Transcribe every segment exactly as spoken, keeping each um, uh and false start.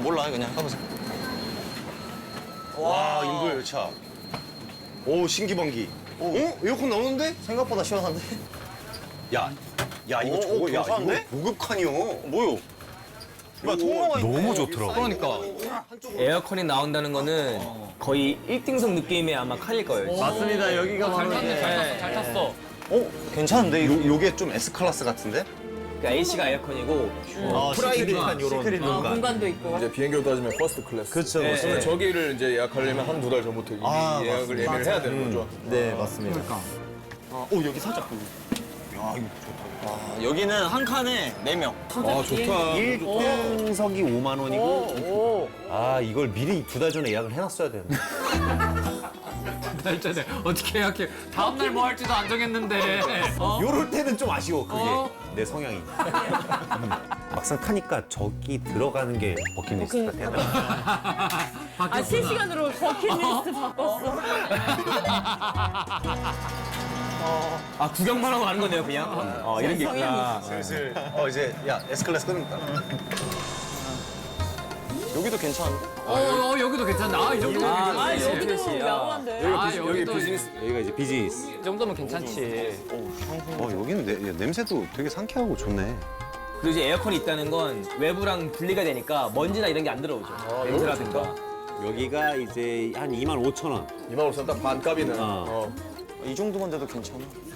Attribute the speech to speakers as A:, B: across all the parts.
A: 몰라 그냥 해보세요.
B: 와, 인도 열차. 오, 신기방기. 어? 에어컨 나오는데?
A: 생각보다 시원한데?
B: 야, 야, 이거
A: 오,
B: 저거,
A: 오,
B: 야,
A: 괜찮은데?
B: 이거 고급칸이요.
A: 뭐요? 야 통로가 있네.
B: 너무 좋더라고.
A: 그러니까.
C: 에어컨이 나온다는 거는 거의 일 등석 느낌의 아마 칸일 거예요.
A: 맞습니다. 여기가 바로
D: 탔네, 잘 탔어, 잘 탔어.
A: 어? 괜찮은데? 이거?
B: 요, 요게 좀 S클래스 같은데?
C: 그러니까 에이씨가 에어컨이고
A: 아,
B: 프라이빗한 요런
A: 시크릿
B: 공간.
E: 공간도 있고.
F: 이제 비행기로 따지면 퍼스트 클래스.
A: 그쵸,
C: 네.
F: 그러면 저기를 이제 예약하려면 한 두 달 전부터 이미
A: 아,
F: 예약을
A: 맞습니다.
F: 예매를 해야 되는 거죠.
A: 네, 맞습니다. 그러니까. 아, 오, 여기 살짝 보고.
B: 야, 이거 좋다.
A: 아, 여기는 한 칸에 네 명.
F: 아, 좋다.
B: 일 등석이 오만 원이고. 아, 이걸 미리 두 달 전에 예약을 해놨어야 되는데.
D: 나 있잖아. 어떻게 예약해? 다음날 뭐 할지도 안 정했는데. 어?
B: 요럴 때는 좀 아쉬워, 그게.
D: 어?
B: 내 성향이. 음. 막상 타니까 저기 들어가는 게 버킷리스트가 되나?
E: 아, 실시간으로 버킷리스트 바꿨어.
C: 아 구경만 하고 가는 거네요 그냥. 어 이런 게 있구나.
B: 슬슬. 어, 이제, 야, S클래스 끊는다.
A: 여기도 괜찮은데?
D: 어, 어, 여기도 괜찮다. 아, 이 정도면
C: 아,
D: 괜찮지.
C: 아,
E: 여기도
C: 그렇지.
E: 야무한데.
D: 아,
F: 비즈- 여기
D: 여기도
F: 비즈니스.
B: 여기가 이제 비즈니스.
D: 이 정도면 괜찮지.
B: 어, 여기는 내, 야, 냄새도 되게 상쾌하고 좋네.
C: 그리고 이제 에어컨이 있다는 건 외부랑 분리가 되니까 먼지나 이런 게 안 들어오죠. 냄새라든가.
B: 여기가 이제 한 이만 오천 원.
F: 이만 오천 딱 반값이네.
B: 어.
F: 어.
A: 이 정도만 돼도 괜찮아.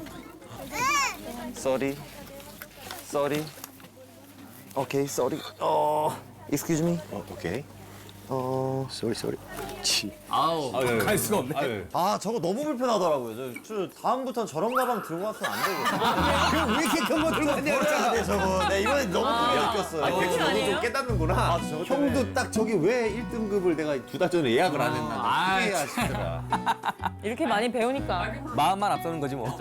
A: Sorry. Sorry. 오케이, sorry. 어, excuse me.
B: 어, 오케이.
A: 어.
B: 쏘리, 쏘리. 치.
D: 아우.
C: 갈 수가 없네.
A: 아, 저거 너무 불편하더라고요. 저, 저 다음부터는 저런 가방 들고 왔으면 안 되거든요.
B: 그럼 왜 이렇게 큰 거 들고 왔냐,
A: 버려야 돼, 저거. 네, 이번에 너무 크게 느꼈어요.
B: 아, 그래서 너도
E: 아니에요?
B: 좀 깨닫는구나.
A: 저거 때문에.
B: 형도 딱 저기 왜 일 등급을 내가 두 달 전에 예약을 안 했나.
D: 아,
B: 그게 아쉽더라.
E: 이렇게 많이 배우니까.
C: 마음만 앞서는 거지 뭐.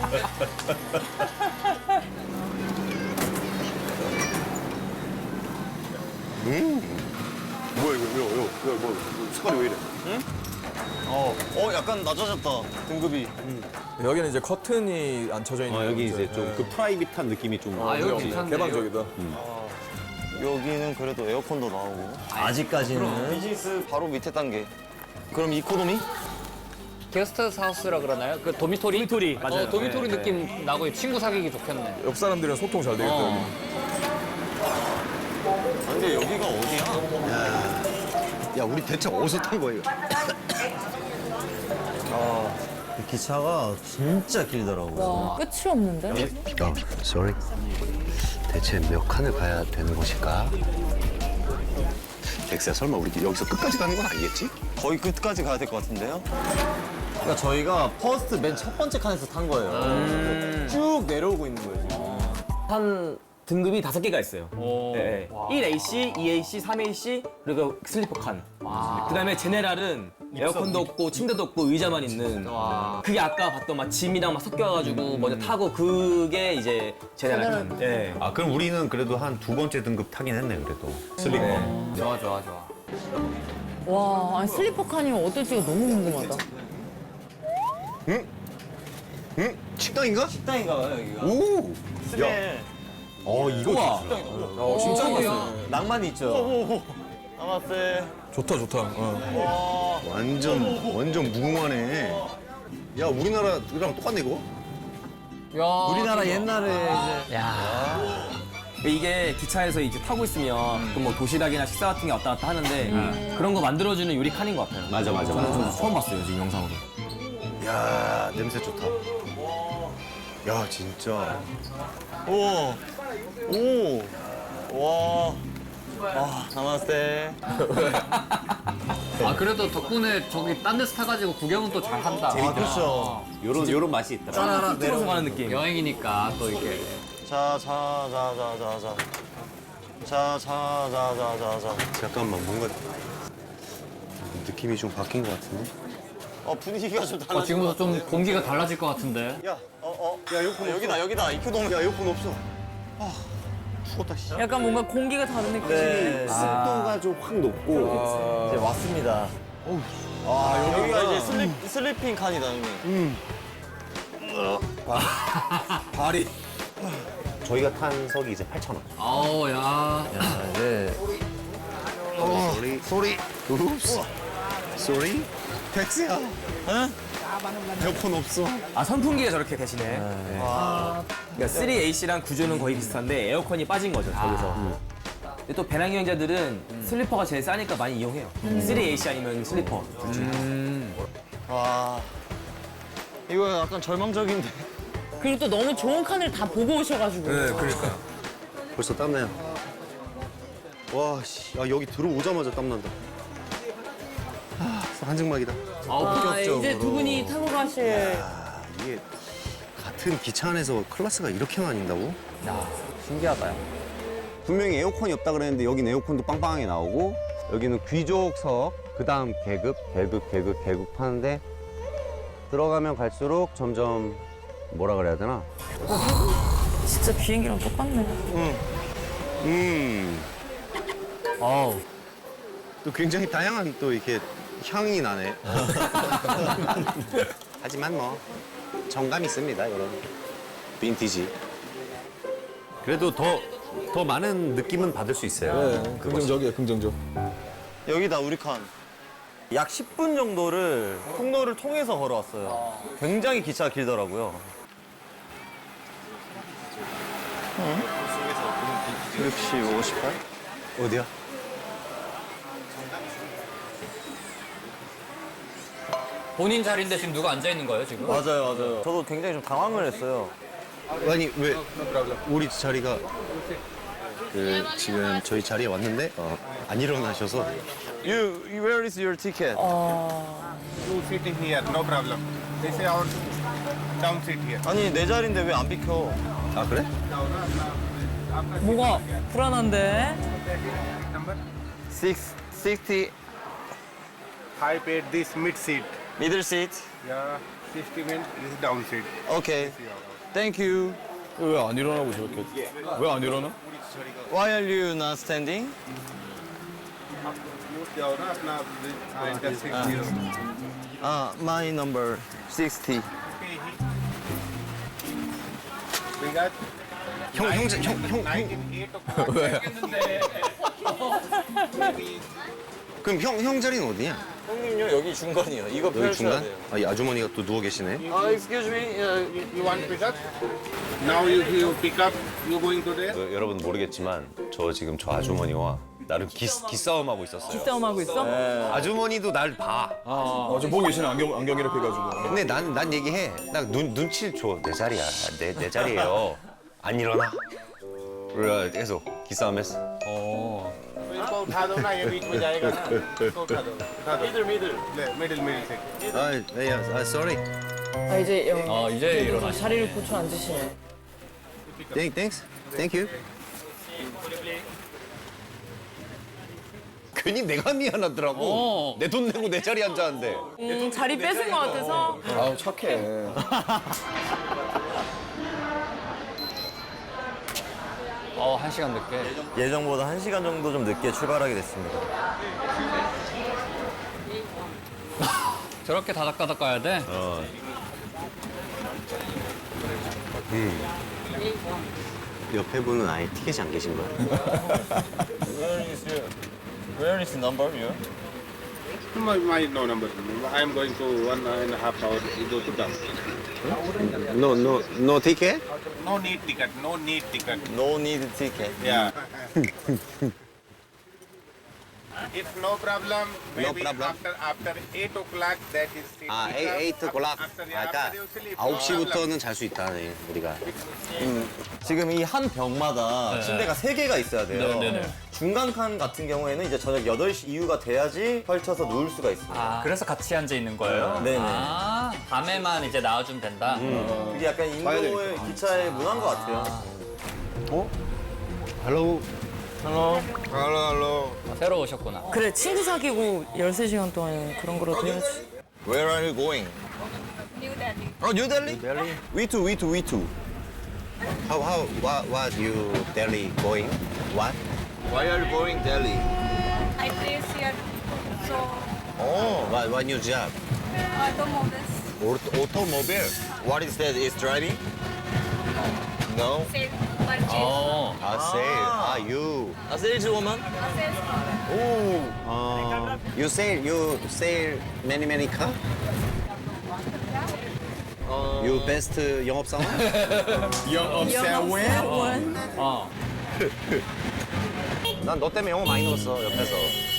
B: 뭐야, 이거, 이거, 이거, 이거, 뭐, 색깔이 왜 이래?
A: 어, 어, 약간 낮아졌다, 등급이.
F: 여기는 이제 커튼이 안 쳐져 있는.
B: 어, 여기 이제
F: 거죠.
B: 좀 그 프라이빗한 느낌이 좀.
D: 아, 여기
F: 여기
D: 괜찮네.
F: 개방적이다.
A: 여기는 그래도 에어컨도 나오고. 아직까지는. 비즈니스 바로 밑에 단계. 그럼 이코노미?
D: 게스트하우스라 그러나요? 그 도미토리?
C: 도미토리, 맞아요.
D: 어, 도미토리
C: 네,
D: 느낌 나고 친구 사귀기 좋겠네.
F: 옆 사람들이랑 소통 잘 되겠다.
D: 어.
A: 아, 근데 여기가 어디야?
B: 야, 우리 대체 어디서 탄 거예요?
A: 기차가 진짜 길더라고요.
E: 와, 끝이 없는데?
B: 어, sorry. 대체 몇 칸을 가야 되는 것일까? 덱스야, 설마 우리 여기서 끝까지 가는 건 아니겠지?
A: 거의 끝까지 가야 될 것 같은데요? 그러니까 저희가 퍼스트 맨 첫 번째 칸에서 탄 거예요. 쭉 내려오고 있는 거예요, 지금.
C: 한 등급이 다섯 개가 있어요.
D: 오.
C: 네. 일 에이씨, 이 에이씨, 삼 에이씨, 그리고 슬리퍼 칸. 그다음에 제네랄은 에어컨도 없고 침대도 없고 의자만 있는. 그게 아까 봤던 막 짐이랑 막 섞여가지고 먼저 타고 그게 이제 제네랄 칸. 네.
B: 아, 그럼 우리는 그래도 한 두 번째 등급 타긴 했네, 그래도. 슬리퍼.
D: 좋아, 좋아, 좋아.
E: 와, 아니, 슬리퍼 칸이면 어떨지가 너무 궁금하다.
B: 응? 식당인가?
A: 식당인가 봐요, 여기가.
B: 오!
A: 스멜.
B: 어, 이거 좋다.
F: 어, 진짜 좋았어요.
A: 낭만이 있죠. 나마스테.
F: 좋다, 좋다. 어.
B: 완전, 완전 무궁화네. 야, 우리나라랑 똑같네, 이거?
D: 야,
A: 우리나라 옛날에 이제.
C: 야. 이게 기차에서 이제 타고 있으면 그뭐 도시락이나 식사 같은 게 왔다 갔다 하는데 그런 거 만들어주는 요리 칸인 것 같아요.
B: 맞아, 맞아,
C: 저는
B: 맞아.
C: 저 처음 봤어요 지금 영상으로.
B: 야, 냄새 좋다. 야, 진짜.
A: 오. 오. 와. 아, 나마스테.
D: 아, 그래도 덕분에 저기 딴 데서 타가지고 구경은 또 잘한다.
A: 아, 그렇죠.
B: 요런, 요런 맛이 있더라.
C: 쭉 들어서 가는 느낌.
D: 여행이니까 또 이렇게.
A: 자, 자, 자, 자, 자, 자. 자, 자, 자, 자, 자, 자.
B: 잠깐만, 뭔가 느낌이 좀 바뀐 것 같은데?
A: 어, 분위기가 좀
D: 어,
A: 달라진
D: 지금부터
A: 것
D: 좀
A: 같은데?
D: 공기가 달라질 것 같은데.
A: 야, 어, 어. 야, 에어컨 여기다, 여기다. 이코노미.
B: 야, 에어컨 없어. 아, 죽었다, 씨.
E: 약간 뭔가 공기가 다른 느낌.
A: 네.
B: 습도가 좀 확 높고.
A: 이제 왔습니다. 아, 여기가 이제 슬립, 슬리핑 칸이다, 형님.
B: 발이. 저희가 탄 석이 이제 팔천 원.
D: 아우, 야.
A: 야, 이제
B: 소리 소리. 읍스. 소리.
A: 백스야. 응? 에어컨 없어.
C: 아 선풍기가 저렇게 대신에. 그러니까 쓰리 에이씨랑 구조는 거의 비슷한데 에어컨이 빠진 거죠 저기서. 근데 또 배낭 여행자들은 슬리퍼가 제일 싸니까 많이 이용해요. 쓰리 에이씨 아니면 슬리퍼 둘 중에.
A: 와. 이거 약간 절망적인데.
E: 그리고 또 너무 좋은 칸을 다 보고 오셔가지고.
B: 네, 그러니까. 벌써 땀나요. 와, 씨, 야, 여기 들어오자마자 땀난다. 아, 한증막이다.
E: 아, 이제 두 분이 타고 가실.
B: 아, 이게 같은 기차 안에서 클래스가 이렇게 나뉜다고?
C: 신기하다.
G: 분명히 에어컨이 없다 그랬는데 여기는 에어컨도 빵빵하게 나오고 여기는 귀족석, 그 다음 계급, 계급, 계급, 계급 하는데 들어가면 갈수록 점점 뭐라 그래야 되나?
E: 진짜 비행기랑 똑같네.
B: 음,
C: 아우.
B: 또 굉장히 다양한 또 이렇게 향이 나네. 하지만 뭐 정감 있습니다, 이런 빈티지. 그래도 더, 더 많은 느낌은 받을 수 있어요.
F: 네, 긍정적이에요, 긍정적.
A: 여기다 우리 칸. 약 십 분 정도를 통로를 통해서 걸어왔어요. 굉장히 기차가 길더라고요. 육십, 오십팔?
B: 어디야?
D: 본인 자리인데 지금 누가 앉아 있는 거예요 지금?
A: 맞아요, 맞아요. 저도 굉장히 좀 당황을 했어요.
B: 아니 왜 우리 자리가 그 지금 저희 자리에 왔는데 어, 안 일어나셔서
A: You, where is your ticket?
H: Two sitting here, no problem. This is our down seat here.
A: 아니, 내 자리인데 왜 안 비켜?
B: 아 그래?
E: 뭐가 불안한데?
H: Number
A: Six, sixty,
H: five paid this mid seat.
A: middle seat.
H: Yeah, sixty means this is down seat.
A: Okay. Thank you.
F: 왜 안 일어나고 저렇게? 왜 안 일어나?
A: Why are you not standing?
H: Use the aura, अपना enter six zero.
A: Ah, my number sixty.
H: We got
B: 형 형제 형형
H: nineteen eight o'clock.
F: 왜?
B: 그럼 형 형 자리는 어디냐?
A: 형님요, 여기 중간이요. 이거
B: 여기 중간? 아, 이 아주머니가 또 누워 계시네.
A: 아, excuse me. Uh,
H: You, you want pick up? Now you, you pick up. You going to there?
B: 어, 여러분 모르겠지만 저 지금 저 아주머니와 나름 기, 기싸움 하고 있었어요.
E: 싸움하고 있어?
B: 아주머니도 날 봐.
F: 어, 저 보고 계시네, 안경, 안경 이렇게 해가지고.
B: 근데 난, 난 얘기해. 나 눈, 눈치를 줘. 내 자리야. 내, 내 자리예요. 안 일어나. 그래, 계속 기싸움했어.
H: इसको उठा दो ना ये बीच में जाएगा ना इसको उठा दो उठा दो मिडिल मिडिल मिडिल मिडिल से
B: 아, 야, 아, sorry.
E: 아, 이제 영,
D: 아 이제 일어나.
E: 자리를 고쳐 앉으시네.
B: Thank, thanks. Thank you. 괜히 내가 미안하더라고.
D: 어.
B: 내 돈 내고 내 자리에 앉았는데.
E: 음, 자리 뺏은 것 같아서.
F: 아우, 착해.
D: 어 한 시간 늦게.
A: 예정보다 한 시간 정도 좀 늦게 출발하게 됐습니다.
D: 저렇게 다닥다닥 가야 돼?
B: 옆에 분은 아예 티켓이 안 계신 거야?
A: Where is your, where is the number, you?
H: my, my no number I am going to one and a half hour to go to down
B: No, no, no ticket?
H: no need ticket no need ticket
A: No need ticket.
H: yeah if no problem maybe
B: problem.
H: after after eight o'clock that is seat
B: 아,
H: pick up.
B: eight o'clock.
H: after,
B: 아,
H: yeah,
B: 그러니까
H: after you sleep,
B: 아홉
H: no
B: 시부터는 잘 수 있다, 네, 우리가.
A: 지금 이 한 벽마다 침대가 세 개가 있어야 돼요.
D: 네, 네, 네.
A: 중간 칸 같은 경우에는 이제 저녁 여덟 시 이후가 돼야지 펼쳐서 누울 수가 있습니다.
D: 아 그래서 같이 앉아 있는 거예요?
A: 네네.
D: 아 밤에만 이제 나와주면 된다.
A: 그게 약간 인도의 기차의 문화인 것 같아요.
B: Hello.
A: Hello.
F: 알로, 알로.
D: 아, 새로 오셨구나.
E: 그래, 친구 사귀고 열세 시간 동안 그런 거라도 해야지.
A: Where are you going?
I: New Delhi.
A: Oh, New Delhi?
B: Delhi.
A: We too, we too, we too.
B: How, how, what, what you Delhi going? What?
A: Why are you going Delhi?
I: I place here, so
A: Oh,
B: What, what new job?
I: automobiles.
B: Auto, automobile.
A: what is that? Is driving? No.
I: Same. purchase.
D: 어.
B: 아, 세일. 아, you.
C: 아, 세일즈워먼?
I: A sales call.
B: 오. 어, you sell, you sell many, many car? You best 영업사원?
F: 영업사원.
D: 어.
B: 난 너 때문에 영어 많이 늘었어, 옆에서.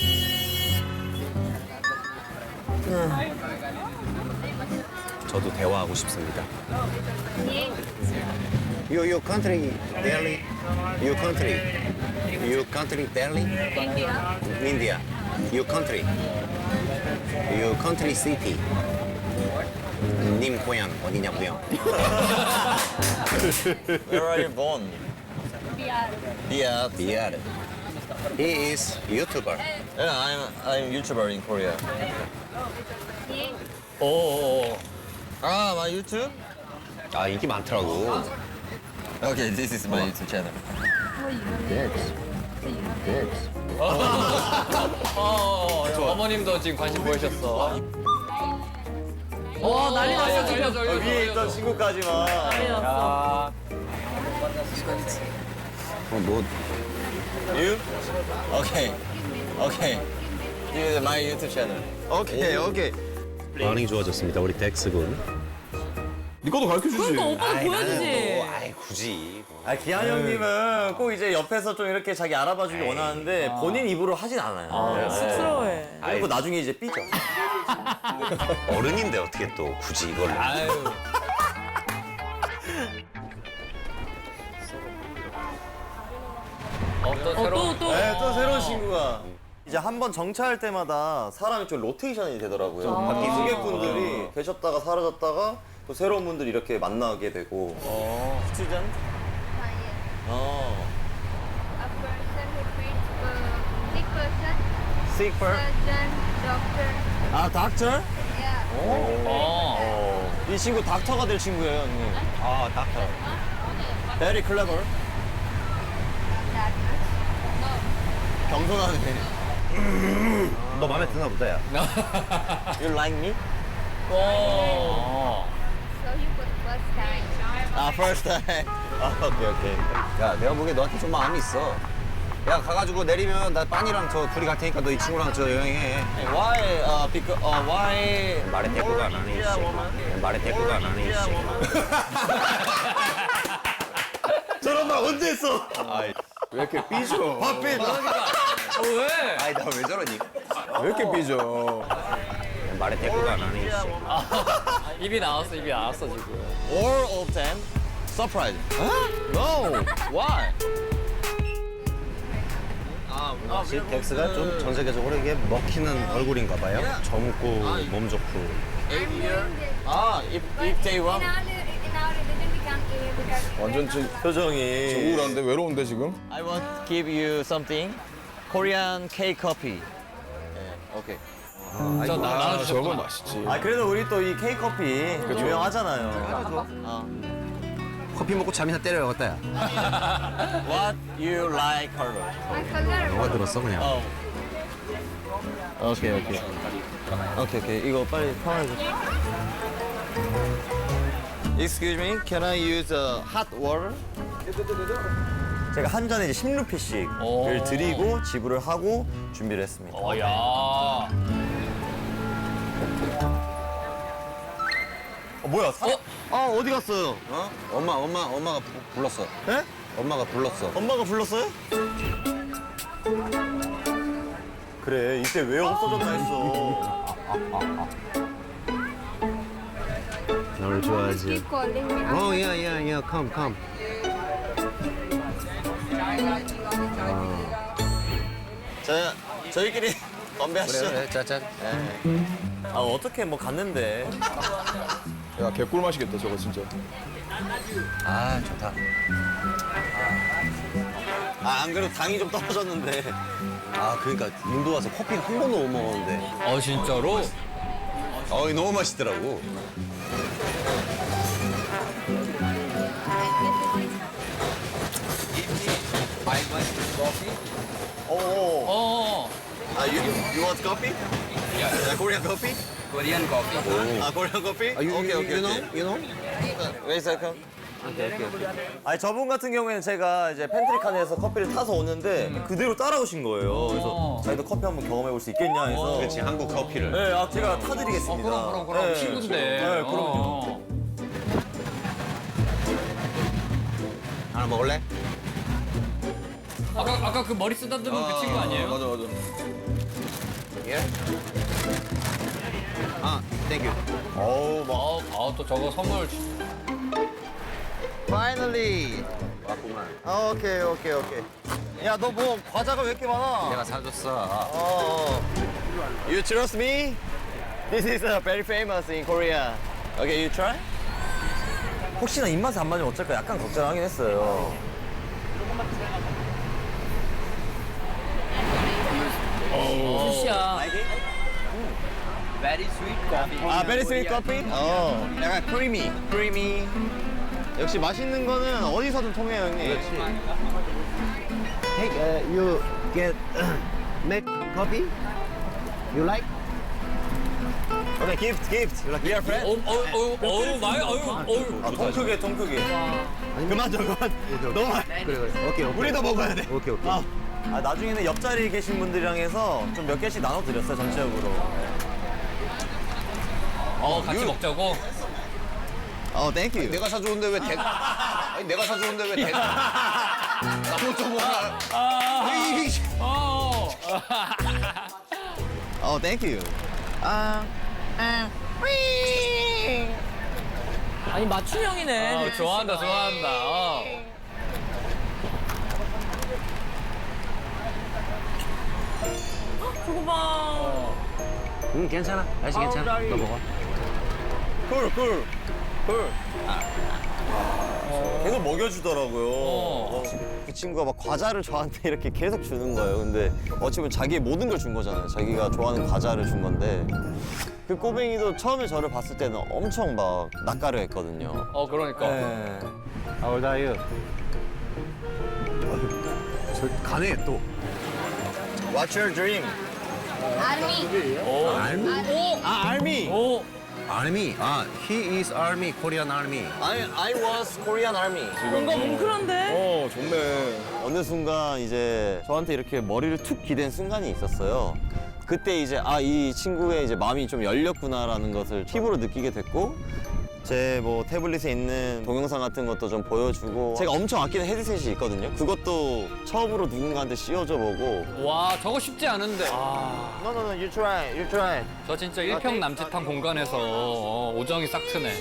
B: 저도 대화하고 싶습니다.
I: Yeah.
B: You, your country, Delhi. Your country. Your country, Delhi.
I: India.
B: India. Your country. Your country city. 님 고향 어디냐고요?
A: Where are you born?
I: Bihar.
A: Yeah,
B: 비아르. He is YouTuber.
A: yeah, I'm I'm YouTuber in Korea.
I: Yeah.
D: 오.
A: Ah, my YouTube?
B: 아 인기 많더라고.
A: Okay, this is my YouTube channel.
D: 어, 어머님도 지금 관심 보이셨어.
E: 와, 난리 났어, 지금.
D: 알려줘, 알려줘,
A: 위에 있던
D: 알려줘.
A: 친구까지만.
E: 난리 났어.
D: 야,
B: 어, 뭐
A: You? Okay. Okay. This is my YouTube channel. Okay, okay.
B: 반응이 좋아졌습니다. 우리 덱스 군.
F: 네 것도 가르쳐 주지.
E: 그러니까 오빠도 보여주지.
B: 뭐, 아이 굳이.
A: 아, 기한 형님은 꼭 이제 옆에서 좀 이렇게 자기 알아봐주길 원하는데 본인 입으로 하진 않아요. 네.
E: 쑥스러워해.
A: 그리고 나중에 이제 삐져.
B: 어른인데 어떻게 또 굳이 이걸.
D: 아유. 어, 또
E: 어,
D: 새로운.
E: 또, 또.
A: 네, 또 새로운 친구가. 이제 한 번 정차할 때마다 사람이 좀 로테이션이 되더라고요. 바뀐 승객분들이 계셨다가 사라졌다가 또 새로운 분들이 이렇게 만나게 되고. 스튜던트?
I: Ah, yes.
A: 어.
I: A person who treats uh, sick person,
A: Sick person?
I: surgeon, doctor.
A: 아, 닥터?
I: Yeah.
D: 어.
A: 이 친구 닥터가 될 친구예요, 형님.
B: 아 닥터.
A: Very clever.
I: That much.
A: 겸손하네.
B: 너 마음에 드나 보다 야.
A: You like me?
D: 어.
I: So you put first time.
A: 아, first time. 아, 오케이, 오케이.
G: 야, 내가 보기에 너한테 좀 마음이 있어. 야, 가가지고 내리면 나 빤이랑 저 둘이 갈 테니까 너 이 친구랑 저 여행해.
A: Why, uh, because, uh, why?
B: 말에 대꾸가 안 하네 이 씨. 말에 대꾸가 안 하네 이 씨.
A: 저런 말 언제 했어?
F: 왜 이렇게 삐져?
A: 밥빛.
D: 어, 왜?
B: 아이 나 왜 저러니?
F: 왜 이렇게 삐져?
B: 말에 대꾸가 안 하네 이 씨.
D: 입이 나왔어, 입이 나왔어, 지금.
A: All of them surprised. No. Why?
B: 역시 덱스가 좀 전 세계적으로 이게 먹히는 얼굴인가 봐요. 젊고 몸 좋고.
A: 아, if, if they
I: In
A: want.
I: our, in our religion, we can't give because
F: 완전 지
A: 표정이.
F: 우울한데 외로운데 지금?
A: I want to give you something. Korean K coffee. 네, 오케이.
D: 저 나,
F: 아
D: 나눠
F: 저거 맛있지.
A: 아, 그래도 우리 또 이 K 커피 유명하잖아요. 어.
G: 커피 먹고 잠이나 때려야겠다, 야.
A: What you like color?
I: my color.
G: 너가 들었어, 그냥.
A: 어. 오케이, 오케이. 오케이, 오케이. 이거 빨리 평해줘. Excuse me, can I use a hot water? 제가 한 잔에 이제 십 루피씩을
D: 오.
A: 드리고 지불을 하고 준비를 했습니다.
D: 어, 야.
A: 어, 뭐야? 사... 아, 어디 갔어요?
G: 어? 엄마, 엄마, 엄마가 부, 불렀어.
A: 에?
G: 엄마가 불렀어.
A: 엄마가 불렀어요? 그래, 이때 왜 없어졌나 했어.
B: 널 좋아하지.
I: Keep calling me.
G: 어, 야, 야, 야, come, come.
A: 자, 저희끼리 건배하시죠.
G: 그래, 그래, 짜잔.
A: 아, 어떻게 뭐 갔는데.
F: 야 개꿀 맛이겠다 저거 진짜.
G: 아, 좋다.
A: 아, 안 그래도 당이 좀 떨어졌는데.
G: 아, 그러니까 인도 와서 커피 한 번도 못 먹었는데.
D: 어, 진짜로?
G: 어이, 너무 맛있더라고.
A: 오.
D: 어.
A: 아, you, you want coffee? Yeah. Korean coffee?
D: 코리안 커피.
A: 아, Korean coffee?
G: 아, you,
A: 오케이,
G: you,
A: 오케이,
G: you know?
A: 오케이.
G: You know?
A: Wait a second. 아니 저분 같은 경우에는 제가 이제 팬트리 칸에서 커피를 타서 오는데 그대로 따라오신 거예요. 그래서 자기도 커피 한번 경험해 볼 수 있겠냐 해서.
B: 그렇지, 한국 커피를.
A: 네, 아, 제가 타드리겠습니다.
D: 그럼 그럼 그럼
A: 네.
D: 친구인데.
A: 네, 그럼요.
D: 어.
B: 하나 먹을래?
D: 아까 아까 그 머리 쓰다듬은 그 친구 아니에요?
F: 맞아 맞아.
B: 예. 아, 땡큐.
A: 어우, 막.
D: 아, 아, 또 저거 선물.
A: Finally.
B: 왔구만.
A: 아, 오케이, 오케이, 오케이. 야, 너 뭐 과자가 왜 이렇게 많아?
B: 내가 사줬어.
A: 어. You trust me? This is uh, very famous in Korea. Okay, you try? 혹시나 입맛에 안 맞으면 어쩔까 약간 걱정하긴 했어요.
E: 굿이야.
A: 아, very sweet coffee? 어, 약간 creamy, creamy. 역시 맛있는 거는 어디서든 통해요, 형님. 그렇지.
G: Hey, uh, you get make coffee? You like?
A: Okay, gift, gift. We are friends.
D: 어우 어우 어우 많이 어우 어우.
A: 아, 통 크게, 통 크게. 그만 줘, 그만. 너무 많이.
G: 그래, 그래. 오케이, 오케이.
A: 우리도 먹어야 돼.
G: 오케이, 오케이.
A: 아, 아, 나중에는 옆자리에 계신 분들이랑 해서 좀 몇 개씩 나눠드렸어요, 전체적으로.
D: 어 같이 먹자고.
A: 어, 땡큐.
B: 내가 사주는데 왜 대? 아니 내가 사주는데 왜 대? 나도 좀 먹어. 이
D: 어.
A: 어, 땡큐. 아,
E: 아니 맞춤형이네.
D: 어, 좋아한다 좋아한다. 어.
E: 저거 봐.
G: 응, 괜찮아. 날씨 괜찮아. 너 먹어.
A: 쿨, 쿨, 쿨. 계속 먹여주더라고요.
D: 어.
A: 그 친구가 막 과자를 저한테 이렇게 계속 주는 거예요. 근데 어찌 보면 자기의 모든 걸 준 거잖아요. 자기가 좋아하는 과자를 준 건데. 그 꼬뱅이도 처음에 저를 봤을 때는 엄청 막 낯가려 했거든요.
D: 어 그러니까.
A: 네.
G: How old are you?
B: 저 가네 또.
A: What's your dream?
I: Army.
B: army?
A: 아, army.
D: 오.
B: army. 아, he is army, Korean army.
A: I, I was Korean army.
E: 뭔가 뭉클한데?
F: 어 좋네.
A: 어느 순간 이제 저한테 이렇게 머리를 툭 기댄 순간이 있었어요. 그때 이제 아, 이 친구의 이제 마음이 좀 열렸구나라는 것을 피부로 느끼게 됐고 제 뭐 태블릿에 있는 동영상 같은 것도 좀 보여주고 제가 엄청 아끼는 헤드셋이 있거든요. 그것도 처음으로 누군가한테 씌워줘 보고
D: 와 저거 쉽지 않은데. 아.
A: No, no, no, you try, you try.
D: 저 진짜 일평 남짓한 공간에서 어, 오정이 싹 트네.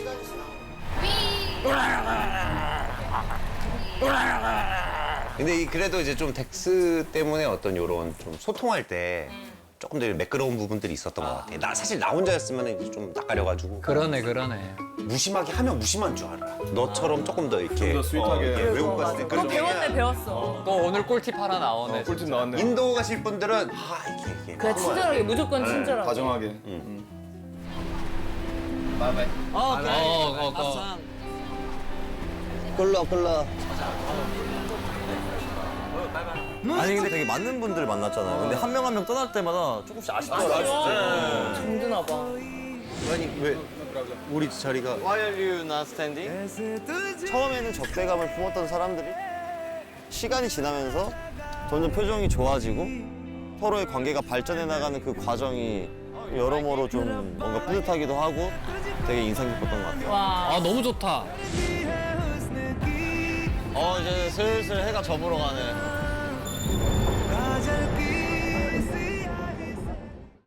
B: 근데 이 그래도 이제 좀 덱스 때문에 어떤 요런 좀 소통할 때 조금 더 매끄러운 부분들이 있었던 것 같아. 나 사실 나 혼자였으면 이제 좀 낯가려가지고
D: 그러네 그러네.
B: 무심하게 하면 무심한 줄 알아. 너처럼 조금 더 이렇게
F: 더 스윗하게.
B: 어, 이렇게 외국 갔을 때
E: 너
B: 그런
E: 배웠네 배웠어.
D: 또 오늘 꿀팁 하나 나오네.
F: 꿀팁 나왔네.
B: 인도 가실 분들은 아 이게 이게
E: 그래 친절하게 무조건 친절하게.
F: 다정하게.
A: 어,
D: 어, 어, 어.
A: 끌러, 끌러. 아니 근데 되게 많은 분들을 만났잖아요. 근데 한 명 한 명 떠날 때마다 조금씩 아쉽더라고요.
E: 힘드나 봐.
B: 아니 왜 우리 자리가
A: Why are you not standing? 처음에는 적대감을 품었던 사람들이 시간이 지나면서 점점 표정이 좋아지고 서로의 관계가 발전해 나가는 그 과정이 여러모로 좀 뭔가 뿌듯하기도 하고 되게 인상 깊었던 것 같아요.
E: 와.
D: 아 너무 좋다.
A: 어 이제 슬슬 해가 저물어 가네.